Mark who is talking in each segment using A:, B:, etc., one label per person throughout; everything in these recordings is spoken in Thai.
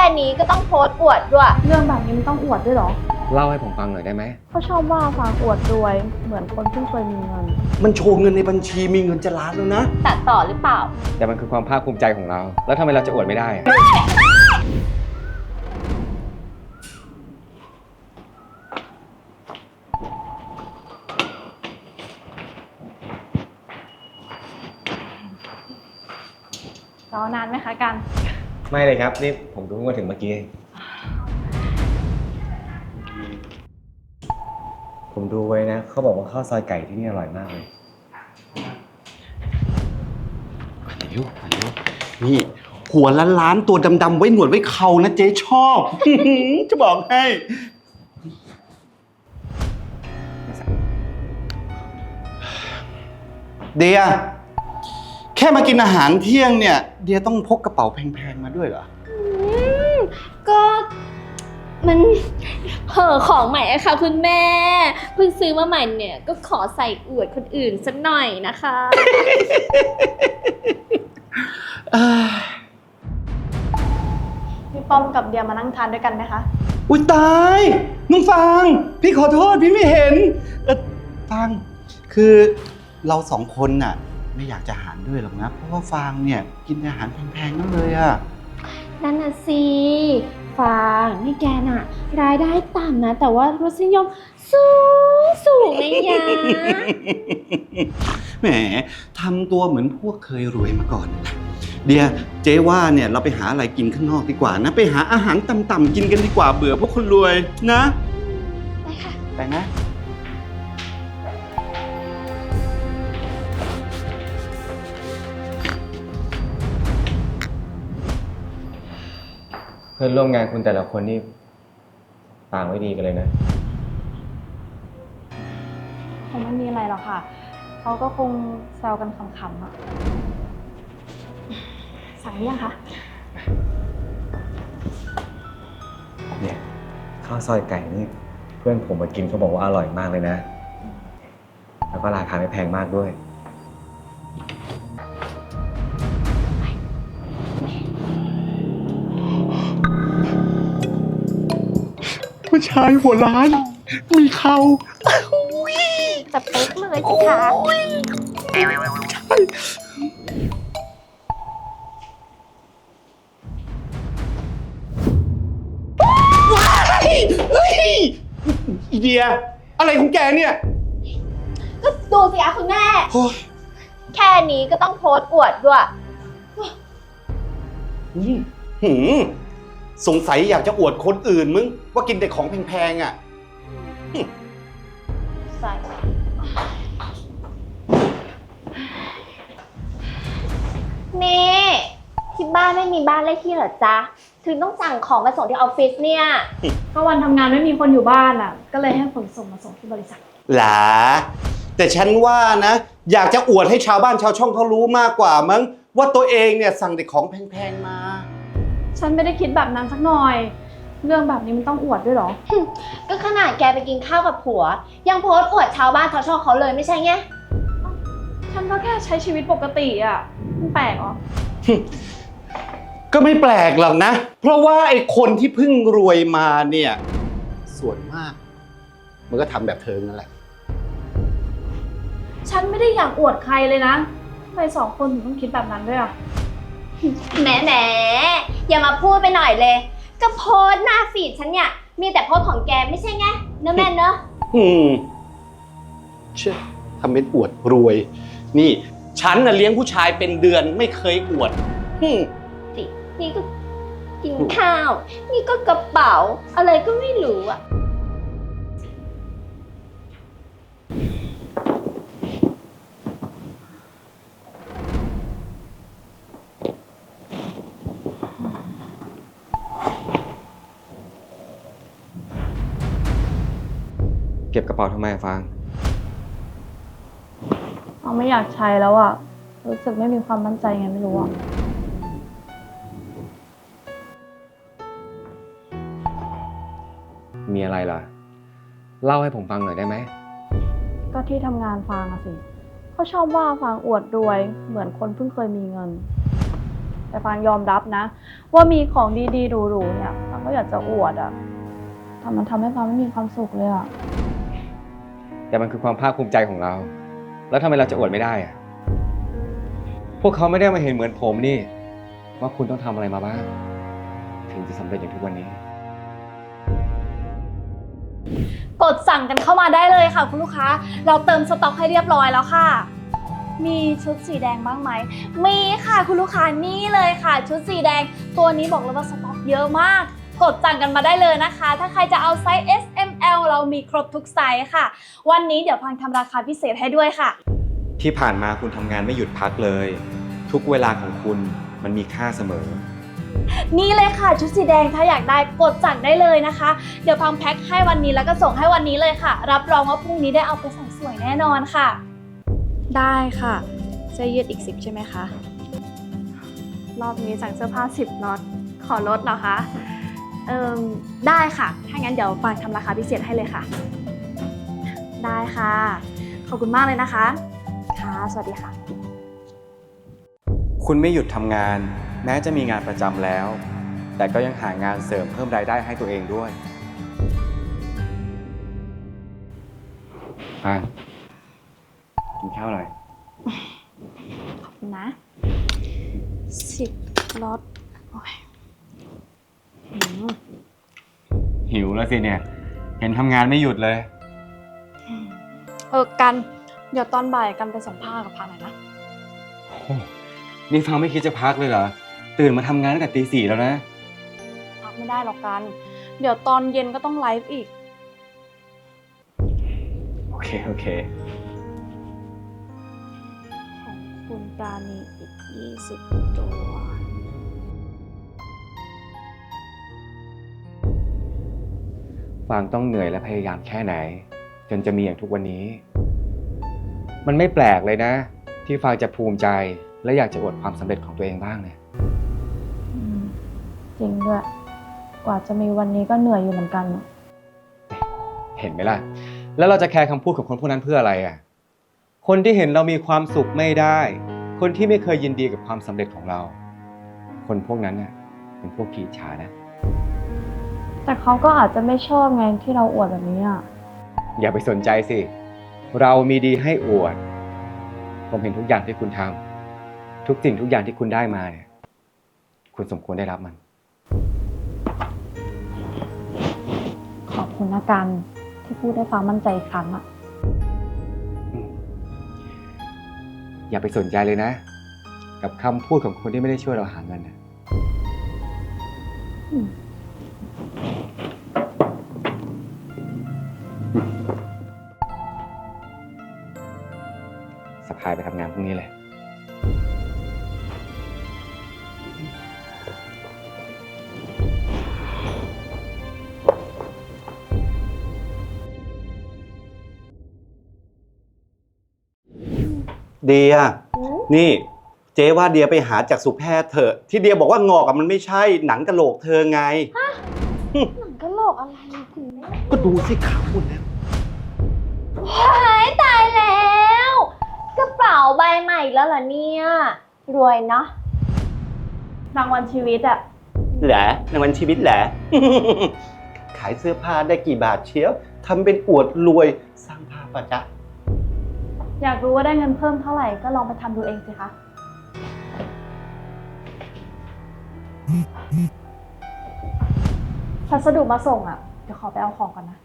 A: นี้ก็ต้องโพสต์อวดด้วย
B: เรื่องแบบนี้มันต้องอวดด้วยเหรอ
C: เล่าให้ผมฟังหน่อยได้ไหม
B: เขาชอบว่าฟางอวดรวยเหมือนคนเพิ่งเคยมีเงิน
D: มันโชว์เงินในบัญชีมีเงินจะล้านแล้วนะ
A: ตัดต่อหรือเปล่า
C: แต่มันคือความภาคภูมิใจของเรา แล้วทำไมเราจะอวดไม่ได้อะ
B: รอนานไหมคะกัน
C: ไม่เลยครับ นี่ผมเพิ่งมาถึงเมื่อกี้ ผมดูไว้นะ เขาบอกว่าข้าวซอยไก่ที่นี่อร่อยมากเลย
D: เร็วนี่หัวล้านๆตัวดำๆไว้หนวดไว้เขานะเจ๊ชอบ จะบอกให้ เดียแค่มากินอาหารเที่ยงเนี่ย เดียต้องพกกระเป๋าแพงๆมาด้วยเหรอ
A: ก็มันเห่อของใหม่อะค่ะคุณแม่เพิ่งซื้อมาใหม่เนี่ยก็ขอใส่อวดคนอื่นสักหน่อยนะคะ
B: พี่ป้อมกับเดียมานั่งทานด้วยกันไหมคะ
D: อุ้ยตายน้องฟางพี่ขอโทษพี่ไม่เห็นฟางคือเราสองคนน่ะไม่อยากจะหารด้วยหรอกนะเพราะว่าฟางเนี่ยกินอาหารแพงๆนั่นเลยอะ
A: นั่นน่ะสิฟางนี่แกน่ะรายได้ต่ำนะแต่ว่ารสนิยมสูงนะยะ
D: แหมทำตัวเหมือนพวกเคยรวยมาก่อนนะเดียเจ๊ว่าเนี่ยเราไปหาอะไรกินข้างนอกดีกว่านะไปหาอาหารต่ำๆกินกันดีกว่าเบื่อพวกคนรวยนะ
A: ไปค่ะ
D: ไปนะ
C: เพื่อนร่วมงานคุณแต่ละคนนี่ต่างไม่ดีกันเลยนะ
B: คงไม่มีอะไรหรอกค่ะ เขาก็คงแซวกันขำๆอะสั่งหรือยังคะ
C: เนี่ยข้าวซอยไก่นี่เพื่อนผมมากินเขาบอกว่าอร่อยมากเลยนะ แล้วก็ราคาไม่แพงมากด้วย
D: ผู้ชายหัวล้าน มีเขา
A: สเป๊กเลยสิคะ
D: เฮ้ยอีเดีย อะไรของแกเนี่ย
A: ก็ดูสิคะคุณแม่
D: โอ้ย
A: แค่นี้ก็ต้องโพสต์อวดด้วย
D: หืมสงสัยอยากจะอวดคนอื่นมึง ว่ากินแต่ของแพงๆอ่ะ
A: ใส่นี่ที่บ้านไม่มีบ้านเลขที่เหรอจ๊ะ ถึงต้องสั่งของมาส่งที่ออฟฟิศเนี่ย
B: ก็วันทำงานไม่มีคนอยู่บ้านอะก็เลยให้ขนส่งมาส่งที่บริษัท
D: หลาแต่ฉันว่านะ อยากจะอวดให้ชาวบ้านชาวช่องเขารู้มากกว่ามั้งว่าตัวเองเนี่ยสั่งแต่ของแพงๆมา
B: ฉันไม่ได้คิดแบบนั้นสักหน่อย เรื่องแบบนี้มันต้องอวดด้วยเหรอ
A: ก็ขนาดแกไปกินข้าวกับผัว ยังโพสต์อวดชาวบ้านชาวช่องเขาเลยไม่ใช่ไง
B: ฉันก็แค่ใช้ชีวิตปกติอะมันแปลกเหรอ
D: ก็ไม่แปลกหรอกนะ เพราะว่าไอ้คนที่เพิ่งรวยมาเนี่ยส่วนมาก มันก็ทำแบบเธอนั่นแหละ
B: ฉันไม่ได้อยากอวดใครเลยนะทำไมสองคนถึงต้องคิดแบบนั้นด้วยอะ
A: แหมอย่ามาพูดไปหน่อยเลย ก็โพสต์หน้าฟีดฉันเนี่ย มีแต่โพสต์ของแกไม่ใช่ไงเนอะแม่เนอะ
D: เชื่อทำเป็นอวดรวย นี่ฉันน่ะเลี้ยงผู้ชายเป็นเดือนไม่เคยอวด
A: สินี่ก็กินข้าว นี่ก็กระเป๋า อะไรก็ไม่รู้อะ
C: เก็บกระเป๋าทำไมอะฟาง
B: เราไม่อยากใช้แล้วอะรู้สึกไม่มีความมั่นใจไงไม่รู้อะ
C: มีอะไรล่ะ เล่าให้ผมฟังหน่อยได้ไหม
B: ก็ที่ทำงานฟางอะสิเขาชอบว่าฟางอวดรวยเหมือนคนเพิ่งเคยมีเงินแต่ฟางยอมรับนะ ว่ามีของดีๆหรูๆเนี่ยฟางก็อยากจะอวดอะแต่มันทำให้ฟางไม่มีความสุขเลยอะ
C: แต่มันคือความภาคภูมิใจของเรา แล้วทำไมเราจะอวดไม่ได้อะพวกเขาไม่ได้มาเห็นเหมือนผมนี่ ว่าคุณต้องทำอะไรมาบ้าง ถึงจะสำเร็จอย่างทุกวันนี้
B: กดสั่งกันเข้ามาได้เลยค่ะคุณลูกค้า เราเติมสต็อกให้เรียบร้อยแล้วค่ะ มีชุดสีแดงบ้างไหม มีค่ะคุณลูกค้านี่เลยค่ะ ชุดสีแดงตัวนี้บอกเลยว่าสต็อกเยอะมาก กดสั่งกันมาได้เลยนะคะ ถ้าใครจะเอาไซส์ S M L เรามีครบทุกไซส์ค่ะ วันนี้เดี๋ยวพังทำราคาพิเศษให้ด้วยค่ะ
C: ที่ผ่านมาคุณทำงานไม่หยุดพักเลย ทุกเวลาของคุณมันมีค่าเสมอ
B: นี่เลยค่ะชุดสีแดงถ้าอยากได้กดสั่งได้เลยนะคะ เดี๋ยวพังแพ็คให้วันนี้แล้วก็ส่งให้วันนี้เลยค่ะ รับรองว่าพรุ่งนี้ได้เอาไปใส่สวยแน่นอนค่ะ ได้ค่ะเสื้อยืดอีก10ใช่ไหมคะรอบนี้สั่งเสื้อผ้า10ล็อตขอลดเหรอคะได้ค่ะถ้างั้นเดี๋ยวฟังทำราคาพิเศษให้เลยค่ะ ได้ค่ะขอบคุณมากเลยนะคะค่ะสวัสดีค่ะ
C: คุณไม่หยุดทำงาน แม้จะมีงานประจำแล้ว แต่ก็ยังหางานเสริมเพิ่มรายได้ให้ตัวเองด้วยกินข้าวหน่อย
B: ขอบคุณนะ10ล็อตโอ้ย
C: หิวแล้วสิเนี่ย เห็นทำงานไม่หยุดเลย
B: กันเดี๋ยวตอนบ่ายกันไปส่งผ้ากับพาหน่อยนะ
C: นี่ฟังไม่คิดจะพักเลยเหรอ ตื่นมาทำงานตั้งแต่ตี 4แล้วนะ
B: พักไม่ได้หรอกกัน เดี๋ยวตอนเย็นก็ต้องไลฟ์อีก
C: โอเค
B: ของคุณปราณีอีก20ตัว
C: ฟางต้องเหนื่อยและพยายามแค่ไหน จนจะมีอย่างทุกวันนี้ มันไม่แปลกเลยนะ ที่ฟางจะภูมิใจและอยากจะอวดความสำเร็จของตัวเองบ้างเนี่ย
B: จริงด้วย กว่าจะมีวันนี้ก็เหนื่อยอยู่เหมือนกัน
C: เห็นไหมล่ะ แล้วเราจะแคร์คำพูดของคนพวกนั้นเพื่ออะไรอ่ะ คนที่เห็นเรามีความสุขไม่ได้ คนที่ไม่เคยยินดีกับความสำเร็จของเรา คนพวกนั้นน่ะเป็นพวกขี้อิจฉานะ
B: แต่เขาก็อาจจะไม่ชอบไงที่เราอวดแบบนี้อ่ะ
C: อย่าไปสนใจสิ เรามีดีให้อวด ผมเห็นทุกอย่างที่คุณทำทุกสิ่งทุกอย่างที่คุณได้มาเนี่ย คุณสมควรได้รับมัน
B: ขอบคุณนะกันที่พูดให้ฟังมั่นใจอีกครั้งอ่ะ
C: อย่าไปสนใจเลยนะ กับคำพูดของคนที่ไม่ได้ช่วยเราหาเงินนะสะพายไปทำงานพรุ่งนี้เลย
D: เดีย นี่เจ๊ว่าเดียไปหาจากสุแพทย์เถอะที่เดียบอกว่างอกอะมันไม่ใช่หนังกะโหลกเธอไง
A: หนังกะโหลกอะไรคุณแม่
D: ก็ดูสิขาวหมดแล้ว
A: ตายแล้วกระเป๋าใบใหม่แล้วเหรอเนี่ยรวยเนาะ
B: รางวัลชีวิตอ่ะ
D: แหละในวันชีวิตแหละ ขายเสื้อผ้าได้กี่บาทเชียวทำเป็นอวดรวยสร้างภาพปะจ๊ะ
B: อยากรู้ว่าได้เงินเพิ่มเท่าไหร่ก็ลองไปทำดูเองสิคะ พัสดุมาส่งอ่ะ เดี๋ยวขอไปเอาของก่อนนะ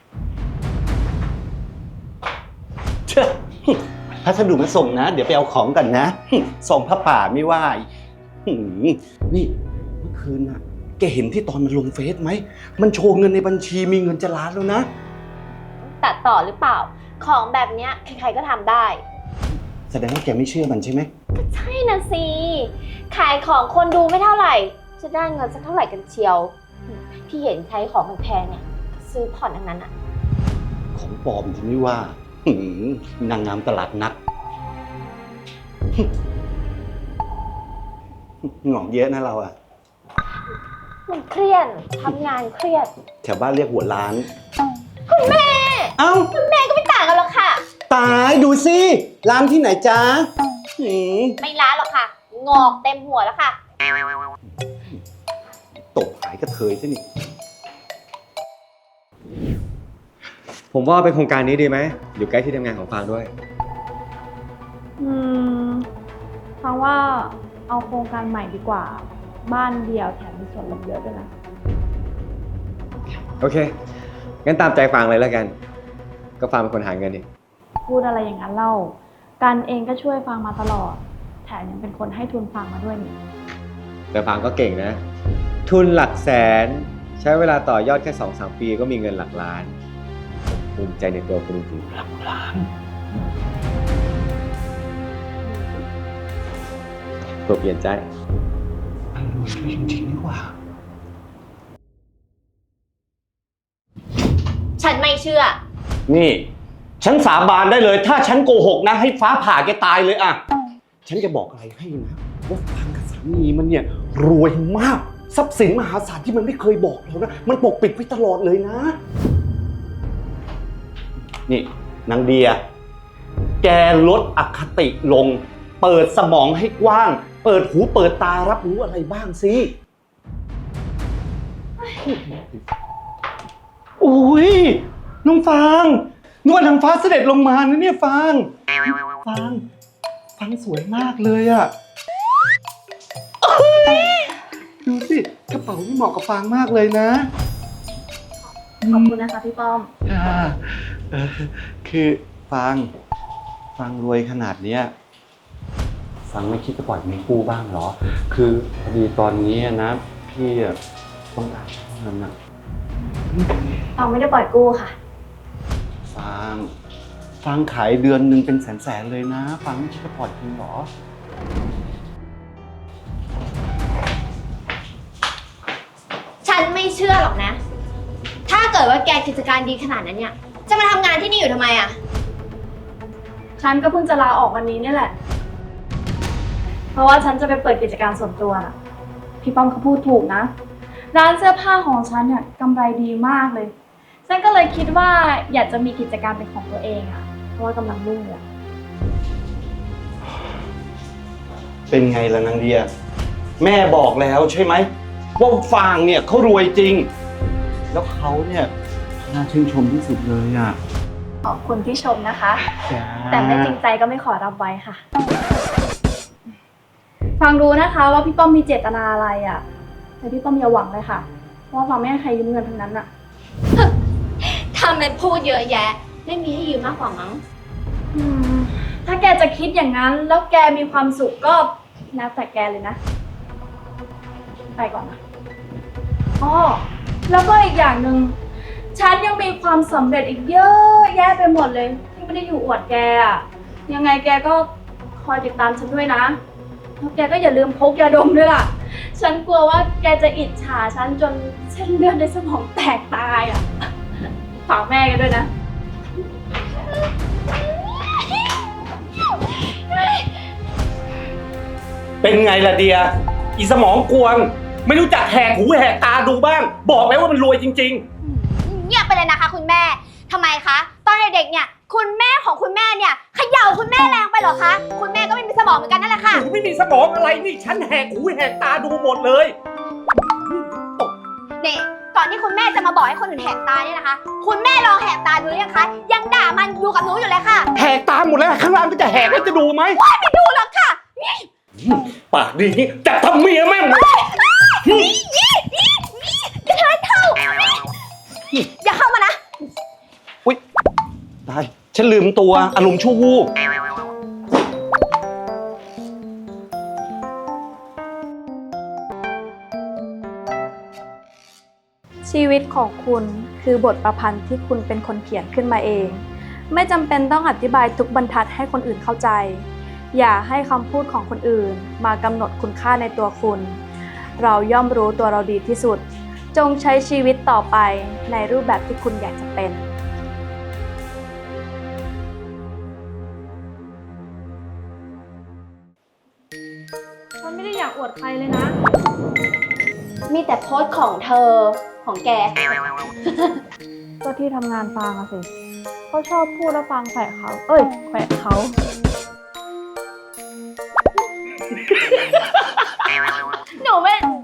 D: เชื่อพัสดุมาส่งนะ เดี๋ยวไปเอาของกันนะ ส่งพระป่าไม่ว่านี่เมื่อคืนน่ะ แกเห็นที่ตอนมันลงเฟซไหม มันโชว์เงินในบัญชีมีเงินจะล้านแล้วนะ
A: ตัดต่อหรือเปล่า ของแบบเนี้ยใครๆก็ทำได้
D: แสดงว่าแกไม่เชื่อมันใช่ไหม
A: ก็ใช่นะสิ ขายของคนดูไม่เท่าไหร่ จะได้เงินสักเท่าไหร่กันเชียว ที่เห็นใช้ของแพงๆเนี่ยก็ซื้อผ่อนทั้งนั้นอะ
D: ของปลอมที่ไม่ว่า นางงามตลาดนัด หงอกเยอะนะเราอะ
A: มันเครียดทำงานเครียด
D: แถวบ้านเรียกหัวล้าน
A: คุณแม่
D: เอ้า
A: คุณแม่ก็ไม่ต่างกันหรอกค่ะ
D: ตายดูสิร้านที่ไหนจ๊ะ
A: ไม่ล้าหรอกค่ะ งอกเต็มหัวแล้วค่ะ
D: ตบหายกระเทยซะนี่
C: ผมว่าเป็นโครงการนี้ดีไหมอยู่ใกล้ที่ทำงานของฟางด้วย
B: ฟังว่าเอาโครงการใหม่ดีกว่า บ้านเดียวแถมมีส่วนลดเยอะด้วยนะ
C: โอเค งั้นตามใจฟางเลยแล้วกัน ก็ฟางเป็นคนหาเงินนี่
B: พูดอะไรอย่างนั้นเล่า กันเองก็ช่วยฟังมาตลอด แถมยังเป็นคนให้ทุนฟังมาด้วยนี่
C: แต่ฟางก็เก่งนะ ทุนหลักแสน ใช้เวลาต่อยอดแค่ 2-3 ปีก็มีเงินหลักล้าน ภูมิใจในตัวคุณจริงๆหลักล้านตัวเปลี่ยนใจ
D: มันรวยด้วยจริงๆนี่หว่า
A: ฉันไม่เชื่อ
E: นี่ ฉันสาบานได้เลย ถ้าฉันโกหกนะ ให้ฟ้าผ่าแกตายเลยอะฉันจะบอกอะไรให้นะว่าฟางกับสามีมันเนี่ยรวยมาก ทรัพย์สินมหาศาลที่มันไม่เคยบอกเรานะ มันปกปิดไว้ตลอดเลยนะ นี่นางเดีย แกลดอคติลง เปิดสมองให้กว้าง เปิดหูเปิดตารับรู้อะไรบ้างสิ
D: โอ้ยน้องฟางนวลนางฟ้าเสด็จลงมานะเนี่ยฟางสวยมากเลยอะดูสิกระเป๋านี่เหมาะกับฟางมากเลยนะ
B: ขอบคุณนะคะพี่ป้อม
D: คือฟางรวยขนาดเนี้ยฟางไม่คิดจะปล่อยเงินกู้บ้างเหรอ คือพอดีตอนนี้นะพี่ต้องการเงินนะ
B: เราไม่ได้ปล่อยกู้ค่ะ
D: ฟางขายเดือนหนึ่งเป็นแสนๆเลยนะฟางไม่คิดจะปล่อยจริงเหรอ
A: ฉันไม่เชื่อหรอกนะ ถ้าเกิดว่าแกกิจการดีขนาดนั้นเนี่ย จะมาทำงานที่นี่อยู่ทำไมอะ
B: ฉันก็เพิ่งจะลาออกวันนี้นี่แหละ เพราะว่าฉันจะไปเปิดกิจการส่วนตัวน่ะ พี่ป้อมเขาพูดถูกนะ ร้านเสื้อผ้าของฉันเนี่ยกำไรดีมากเลย ฉันก็เลยคิดว่าอยากจะมีกิจการเป็นของตัวเองอ่ะ เพราะว่ากำลังรุ่งเลย
D: เป็นไงล่ะนางเดีย แม่บอกแล้วใช่ไหมว่าฟางเนี่ยเขารวยจริง แล้วเขาเนี่ยน่าชื่นชมที่สุดเลยอ่ะ
B: ขอบคุณที่ชมนะคะ
D: จ้า
B: แต่ไม่จริงใจก็ไม่ขอรับไว้ค่ะ ฟังรู้นะคะว่าพี่ป้อมมีเจตนาอะไรอ่ะ แต่พี่ป้อมอย่าหวังเลยค่ะ เพราะว่าฟังไม่ให้ใครยืมเงินทั้งนั้นอ่ะ
A: ทำเป็นพูดเยอะแยะ ไม่มีให้ยืมมากกว่ามั้ง
B: ถ้าแกจะคิดอย่างนั้น แล้วแกมีความสุขก็แล้วแต่แกเลยนะ ไปก่อนนะอ๋อแล้วก็อีกอย่างหนึ่งฉันยังมีความสำเร็จอีกเยอะแยะไปหมดเลย ที่ไม่ได้อยู่อวดแกอะยังไงแกก็คอยติดตามฉันด้วยนะแล้วแกก็อย่าลืมพกยาดมด้วยล่ะ ฉันกลัวว่าแกจะอิจฉาฉันจนเส้นเลือดในสมองแตกตายอ่ะฝากแม่กันด้วยนะ
E: เป็นไงล่ะเดีย อีสมองกวง ไม่รู้จักแหกหูแหกตาดูบ้าง บอกแล้วว่ามันรวยจริง
A: เงียบไปเลยนะคะคุณแม่ ทำไมคะ ตอนเด็กๆเนี่ย คุณแม่ของคุณแม่เนี่ยเขย่าคุณแม่แรงไปเหรอคะ คุณแม่ก็ไม่มีสมองเหมือนกันนั่นแหละค่ะ
E: ๆไม่มีสมองอะไรนี่ ฉันแหกหูแหกตาดูหมดเลย
A: นี่ก่อนที่คุณแม่จะมาบอกให้คนอื่นแหกตาเนี่ยนะคะ คุณแม่ลองแหกตาดูหรือยังคะ ยังด่ามันอยู่กับหนูอยู่เลยค่ะ
E: แหกตาหมดแล้วข้างล่างก็จะแหกแล้วจะดูไหม
A: ไม่ดูหรอกค่ะ
E: ปากดีนี่จับทำเมียแม่ง
A: จะเทินเท่าอย่าเข้ามานะ
E: อุ๊ยตายฉันลืมตัวอารมณ์ชั่ววูบ
B: ชีวิตของคุณคือบทประพันธ์ที่คุณเป็นคนเขียนขึ้นมาเอง ไม่จำเป็นต้องอธิบายทุกบรรทัดให้คนอื่นเข้าใจ อย่าให้คำพูดของคนอื่นมากำหนดคุณค่าในตัวคุณ เราย่อมรู้ตัวเราดีที่สุด จงใช้ชีวิตต่อไปในรูปแบบที่คุณอยากจะเป็นฉันไม่ได้อยากอวดใครเลยนะ
A: มีแต่โพสต์ของเธอของแก
B: ก็ที่ทำงานฟังอะสิเขาชอบพูดแล้วฟังแขวะเขา เอ้ยแขวะเขา
A: หนูไม่